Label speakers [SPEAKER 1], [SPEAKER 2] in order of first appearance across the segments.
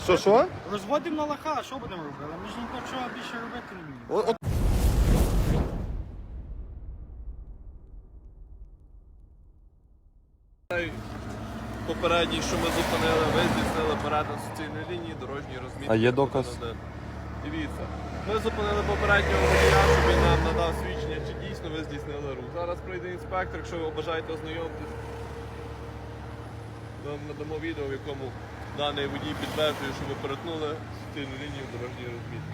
[SPEAKER 1] Що?
[SPEAKER 2] Розводимо на лоха, а що будемо робити? Ми ж нічого більше робити не вміємо.
[SPEAKER 3] Попередній, що ми зупинили, ви здійснили перетин суцільної лінії, дорожньої розмітки.
[SPEAKER 1] А є доказ?
[SPEAKER 3] Дивіться, ми зупинили попереднього водія, щоб він нам надав свідчення, чи дійсно ви здійснили рух. Зараз прийде інспектор, якщо ви бажаєте ознайомитись. Ми надамо відео, в якому даний водій підтверджує, що ви перетнули суцільну лінію дорожньої розмітки.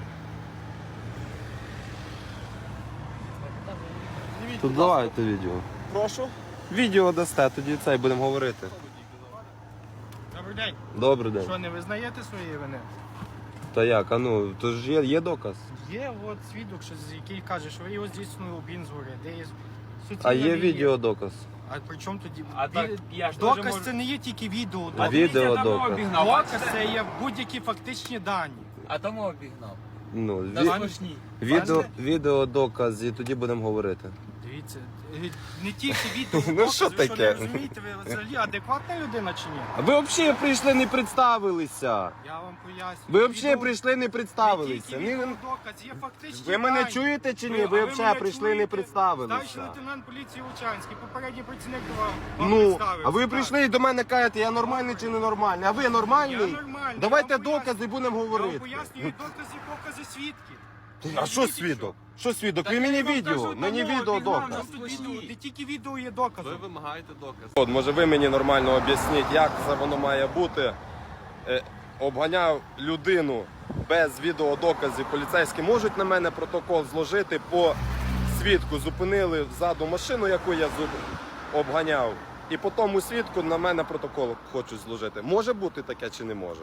[SPEAKER 1] Тут давайте відео.
[SPEAKER 3] Прошу.
[SPEAKER 1] Відео дасте, тоді це і будемо говорити.
[SPEAKER 2] Добрий день.
[SPEAKER 1] Добрий день.
[SPEAKER 2] Що, не визнаєте своєї вини?
[SPEAKER 1] Та як, а ну, то ж є доказ.
[SPEAKER 2] Є от свідок, який каже, що ви його здійснили обгін згори, де є суцільна
[SPEAKER 1] А є
[SPEAKER 2] лінія.
[SPEAKER 1] відеодоказ.
[SPEAKER 2] А при чому тоді?
[SPEAKER 4] А так, я ж
[SPEAKER 2] Доказ
[SPEAKER 4] теж можу-
[SPEAKER 2] це не є тільки відео.
[SPEAKER 1] А
[SPEAKER 2] Доказ,
[SPEAKER 1] відеодоказ.
[SPEAKER 2] Доказ це є будь-які фактичні дані.
[SPEAKER 4] А тому обігнав.
[SPEAKER 1] Ну,
[SPEAKER 4] На смішні.
[SPEAKER 1] відеодоказ, і тоді будемо говорити.
[SPEAKER 2] Дивіться, не тільки відео,
[SPEAKER 1] Ну,
[SPEAKER 2] доказ,
[SPEAKER 1] що
[SPEAKER 2] ви що
[SPEAKER 1] таке?
[SPEAKER 2] не розумієте, ви взагалі адекватна людина чи ні?
[SPEAKER 1] А ви взагалі прийшли, не представилися.
[SPEAKER 2] Я вам поясню.
[SPEAKER 1] Ви взагалі
[SPEAKER 2] Відео-
[SPEAKER 1] прийшли, не
[SPEAKER 2] Не
[SPEAKER 1] представилися.
[SPEAKER 2] тільки відеодоказ, є фактичні
[SPEAKER 1] Ви мене
[SPEAKER 2] дані.
[SPEAKER 1] чуєте чи ні?
[SPEAKER 2] А
[SPEAKER 1] Ви
[SPEAKER 2] мене
[SPEAKER 1] взагалі прийшли, не
[SPEAKER 2] чуєте?
[SPEAKER 1] представилися.
[SPEAKER 2] Старший лейтенант поліції Лучанський, попередній працівник вам
[SPEAKER 1] Ну,
[SPEAKER 2] представився.
[SPEAKER 1] а ви
[SPEAKER 2] Так.
[SPEAKER 1] прийшли і до мене кажете, я нормальний чи не нормальний? А ви нормальний?
[SPEAKER 2] Я нормальний.
[SPEAKER 1] Давайте
[SPEAKER 2] Я вам поясню.
[SPEAKER 1] докази, будемо
[SPEAKER 2] Я вам
[SPEAKER 1] говорити.
[SPEAKER 2] пояснюю докази, покази свідків.
[SPEAKER 1] А що свідок? Що свідок? Ви мені відео, мені відео доказ.
[SPEAKER 2] Не тільки відео є доказом.
[SPEAKER 3] Ви вимагаєте доказ.
[SPEAKER 1] От, може ви мені нормально об'ясніть, як це воно має бути. Обганяв людину без відеодоказів. Поліцейські можуть на мене протокол зложити по свідку. Зупинили ззаду машину, яку я обганяв. І по тому свідку на мене протокол хочуть зложити. Може бути таке чи не може?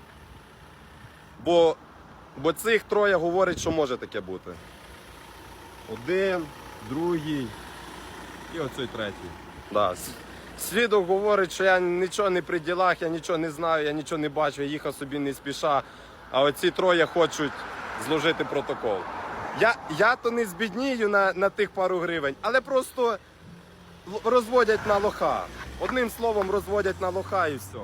[SPEAKER 1] Бо цих троє говорять, що може таке бути. Один, другий і оцей третій. Да. Свідок говорить, що я нічого не при ділах, я нічого не знаю, я нічого не бачу, я їхав собі не спіша. А оці троє хочуть зложити протокол. Я то не збіднію на тих пару гривень, але просто розводять на лоха. Одним словом, розводять на лоха і все.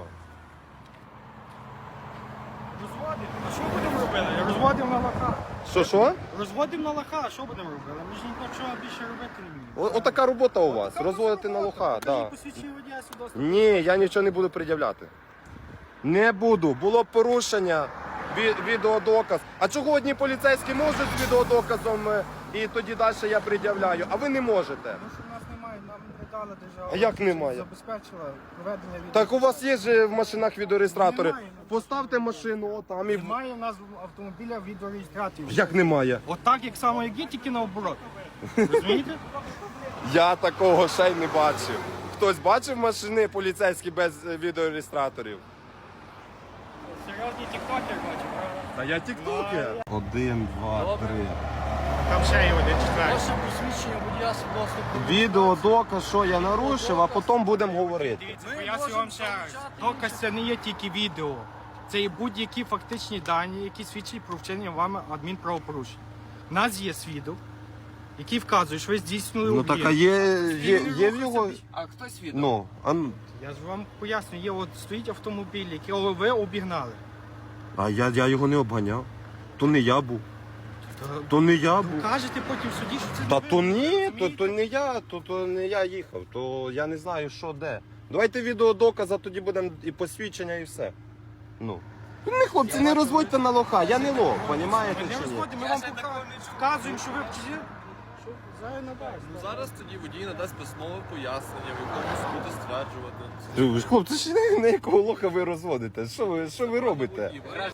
[SPEAKER 2] Розводимо. А що будемо робити? Розводимо на лоха.
[SPEAKER 1] Що?
[SPEAKER 2] Розводимо на лоха, а що будемо робити? Ми ж нічого більше робити не вміємо.
[SPEAKER 1] Отака робота у вас. Розводити на лоха. Да.
[SPEAKER 2] Посвідчення водія свідоцтво.
[SPEAKER 1] Ні, я нічого не буду пред'являти. Не буду. Було порушення, відеодоказ. А чого одні поліцейські можуть з відеодоказом і тоді далі я пред'являю, а ви не можете?
[SPEAKER 2] Тому що в нас немає, нам не дала держава.
[SPEAKER 1] А як немає?
[SPEAKER 2] Забезпечила проведення відео.
[SPEAKER 1] Так у вас є ж в машинах відеореєстратори.
[SPEAKER 2] Немає.
[SPEAKER 1] Поставте машину отам і...
[SPEAKER 2] Немає в нас автомобіля відеореєстраторів.
[SPEAKER 1] Як немає?
[SPEAKER 2] Отак, як само як є, тільки наоборот. Розумієте?
[SPEAKER 1] Я такого ще й не бачив. Хтось бачив машини поліцейські без відеореєстраторів?
[SPEAKER 2] Серйозні тіктокер бачив, правда?
[SPEAKER 1] Та я тіктокер. 1, 2, 3.
[SPEAKER 2] Там ще є один четвертий.
[SPEAKER 4] Ваше посвідчення водія свідоцтво про
[SPEAKER 1] Відеодоказ, що я нарушив, а потім будемо говорити.
[SPEAKER 2] Дивіться,
[SPEAKER 4] Ми
[SPEAKER 2] поясню
[SPEAKER 4] можемо
[SPEAKER 2] вам ще раз.
[SPEAKER 4] залучати
[SPEAKER 2] Доказ це не є тільки відео. Це є будь-які фактичні дані, які свідчать про вчинення вами адмінправопорушень. У нас є свідок, який вказує, що ви здійснили
[SPEAKER 1] Ну
[SPEAKER 2] об'єкт.
[SPEAKER 1] так, а є в його...
[SPEAKER 4] А хто свідок?
[SPEAKER 1] Ну,
[SPEAKER 2] Я ж вам поясню, є от стоїть автомобіль, який ви обігнали.
[SPEAKER 1] а я його не обганяв. То не я був. То не я був.
[SPEAKER 2] Кажете потім в суді, що це
[SPEAKER 1] Та
[SPEAKER 2] не
[SPEAKER 1] то
[SPEAKER 2] ви,
[SPEAKER 1] ні,
[SPEAKER 2] розумієте?
[SPEAKER 1] то не я, то не я їхав, то я не знаю, що де. Давайте відеодоказ, а тоді будемо і посвідчення, і все. Ну. Не, хлопці, не розводьте на лоха, я не лох, розумієте
[SPEAKER 2] Ми не
[SPEAKER 1] чи ні?
[SPEAKER 2] розходимо, ми вам вказуємо, що ви вчили. Що зараз надасть.
[SPEAKER 3] Ну, зараз тоді водій надасть письмове пояснення, в якому буде стверджувати.
[SPEAKER 1] Хлопці, ж на якого лоха ви розводите? Що ви робите?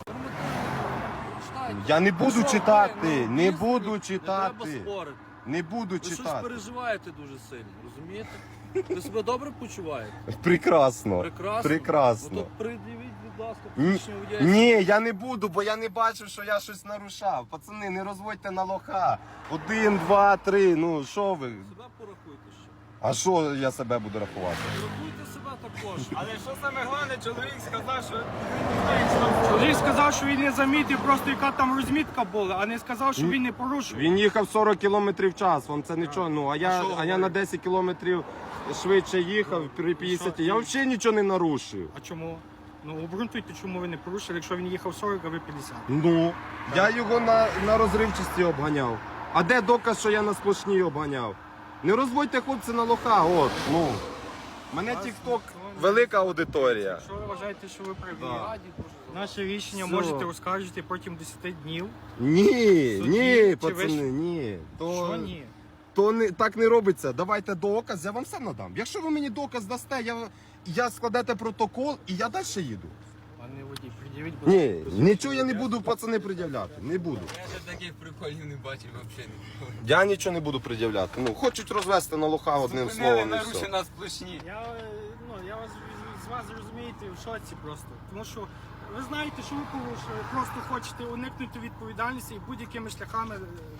[SPEAKER 1] Я не буду читати, не буду
[SPEAKER 4] Не
[SPEAKER 1] читати.
[SPEAKER 4] треба спорити.
[SPEAKER 1] Не буду
[SPEAKER 4] Ви щось
[SPEAKER 1] читати.
[SPEAKER 4] переживаєте дуже сильно, розумієте? Ви себе добре почуваєте?
[SPEAKER 1] Прекрасно.
[SPEAKER 4] Прекрасно.
[SPEAKER 1] Прекрасно.
[SPEAKER 4] Ну, то придивіть, будь ласка,
[SPEAKER 1] Ні,
[SPEAKER 4] посвідчення водія.
[SPEAKER 1] ні, я не буду, бо я не бачив, що я щось нарушав. Пацани, не розводьте на лоха. 1, 2, 3, ну що ви?
[SPEAKER 4] Себе порахуйте ще.
[SPEAKER 1] А що я себе буду рахувати?
[SPEAKER 4] Рахуйте себе також.
[SPEAKER 2] Але що саме головне, чоловік сказав, що чоловік сказав, що він не замітив просто яка там розмітка була, а не сказав, що він не порушив.
[SPEAKER 1] Він їхав 40 км в час, вам це нічого, ну, а я на 10 км швидше їхав при 50. Я взагалі нічого не нарушив.
[SPEAKER 2] А чому? Ну, обґрунтуйте, чому ви не порушили, якщо він їхав 40, а ви 50.
[SPEAKER 1] Ну, я його на розривчості обганяв. А де доказ, що я на сплошній обганяв? Не розводьте хлопці на лоха, от, ну. Мене тік-ток велика аудиторія.
[SPEAKER 2] Якщо ви вважаєте, що ви праві,
[SPEAKER 1] Да.
[SPEAKER 2] наше рішення
[SPEAKER 1] Все.
[SPEAKER 2] можете оскаржити протягом 10 днів.
[SPEAKER 1] Ні,
[SPEAKER 2] Суді,
[SPEAKER 1] ні,
[SPEAKER 2] чи
[SPEAKER 1] пацани,
[SPEAKER 2] ви ж-
[SPEAKER 1] ні.
[SPEAKER 2] Що ні?
[SPEAKER 1] То не, так не робиться. Давайте доказ, я вам все надам. Якщо ви мені доказ дасте, я складете протокол і я далі їду.
[SPEAKER 2] Пане водій, пред'явіть, будь ласка,
[SPEAKER 1] Ні, нічого я не буду, пацани, пред'являти. Не буду.
[SPEAKER 5] Я ще таких приколів не бачив взагалі.
[SPEAKER 1] Я нічого не буду пред'являти. Ну, хочуть розвести на лоха одним словом і все.
[SPEAKER 5] Нарушена сплошні.
[SPEAKER 2] Я вас з вас розумієте в шоці просто. Тому що ви знаєте, що ви порушили, просто хочете уникнути відповідальності і будь-якими шляхами.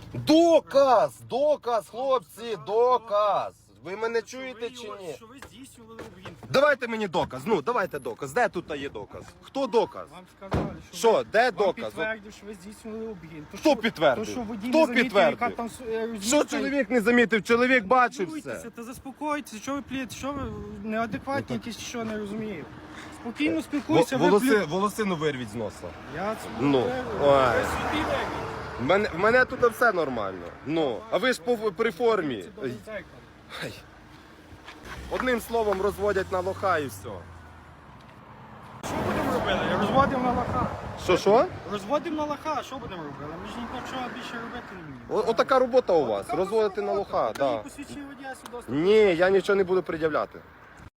[SPEAKER 1] Доказ, хлопці, доказ. Ви мене чуєте чи ні?
[SPEAKER 2] Що ви здійснювали обгін.
[SPEAKER 1] Давайте мені доказ. Ну, давайте доказ. Де тут є доказ? Хто доказ?
[SPEAKER 2] Вам сказали, що
[SPEAKER 1] Що,
[SPEAKER 2] ви-
[SPEAKER 1] де
[SPEAKER 2] вам
[SPEAKER 1] доказ?
[SPEAKER 2] підтвердив, що ви здійснювали обгін. То,
[SPEAKER 1] Хто
[SPEAKER 2] що-
[SPEAKER 1] підтвердив?
[SPEAKER 2] То, що водій
[SPEAKER 1] Хто
[SPEAKER 2] не замітив,
[SPEAKER 1] підтвердив?
[SPEAKER 2] яка там
[SPEAKER 1] Що чоловік не замітив? Чоловік бачив
[SPEAKER 2] Спілкуйтеся,
[SPEAKER 1] все.
[SPEAKER 2] та заспокойтеся, що ви плієте, що ви неадекватні
[SPEAKER 1] Ну, так.
[SPEAKER 2] якісь, що не розумію. Спокійно спілкуйся, ви плюєте.
[SPEAKER 1] Волосину вирвіть з носа.
[SPEAKER 2] Я
[SPEAKER 1] Ну,
[SPEAKER 2] ви
[SPEAKER 1] ой.
[SPEAKER 2] собі вирвіть.
[SPEAKER 1] В мене тут все нормально. Ну, а ви ж при формі.
[SPEAKER 2] Це добре дзеркало.
[SPEAKER 1] Ай. Одним словом розводять на лоха і все.
[SPEAKER 2] Що будемо робити? Розводимо на лоха.
[SPEAKER 1] Що?
[SPEAKER 2] Розводимо на лоха, що будемо робити? Ми ж нічого більше робити не вміємо.
[SPEAKER 1] Отака робота у вас.
[SPEAKER 2] Така
[SPEAKER 1] Розводити на
[SPEAKER 2] робота.
[SPEAKER 1] лоха,
[SPEAKER 2] Покажіть
[SPEAKER 1] так.
[SPEAKER 2] посвідчення водія, свідоцтво.
[SPEAKER 1] Ні, я нічого не буду пред'являти.